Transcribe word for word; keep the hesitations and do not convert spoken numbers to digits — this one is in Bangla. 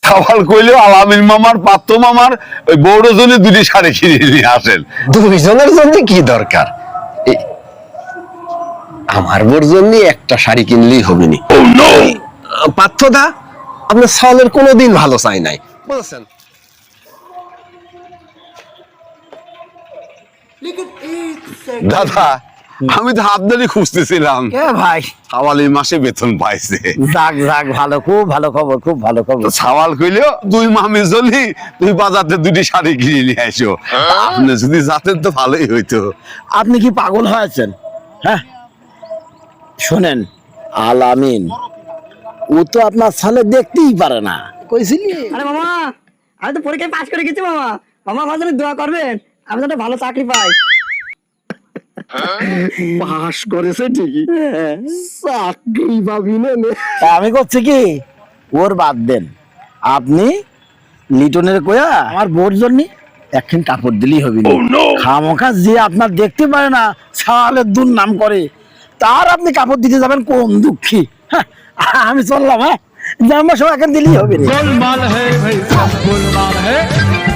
সাওয়াল কইলো আলামিন মামার পাত্র মামার ওই বড় জনে দুটি শাড়ি কিনে নিয়ে আসেন। দুইজনের জন্য কি দরকার? এ- আমার বোর জন্য একটা শাড়ি কিনলেই হবে নি। পার্থদা, আপনার সাওয়ালের কোনোদিন ভালো চাই নাই, বুঝছেন? দাদা আমি তো আপনারই খুঁজতেছিলাম। কে ভাই? সাওয়াল এই মাসে বেতন পাইছে। যাক যাক, ভালো, খুব ভালো খবর, খুব ভালো খবর। তো সাওয়াল কইলো দুই মামি জলি তুই বাজারে দুটি শাড়ি কিনে নিয়ে আইসো। আপনি যদি যাতেন তো ভালোই হইতো। আপনি কি পাগল হয়েছেন? হ্যাঁ, শোনেন, আলামিন ও তো আপনার সালে দেখতেই পারে না। কইছিলি? আরে মামা, আমি তো পরীক্ষায় পাশ করে গেছি মামা। মামা আমার জন্য দোয়া করবেন, আমি যাতে ভালো চাকরি পাই। পাস করেছে ঠিকই, চাকরি পাবি না নে। তা আমি করছি কি, ওর বাদ দেন, আপনি লিটনের কয়া আমার বোর জন্য একখান কাপড় দিলেই হবে না। খামোখা যে আপনার দেখতে পারে না, সালের দুর নাম করে, তার আপনি কাপড় দিতে যাবেন কোন দুঃখী। হ্যাঁ, আমি চললাম। হ্যাঁ, জামা সব এখন দিলেই হবে না। गोलमाल है भाई सब गोलमाल है।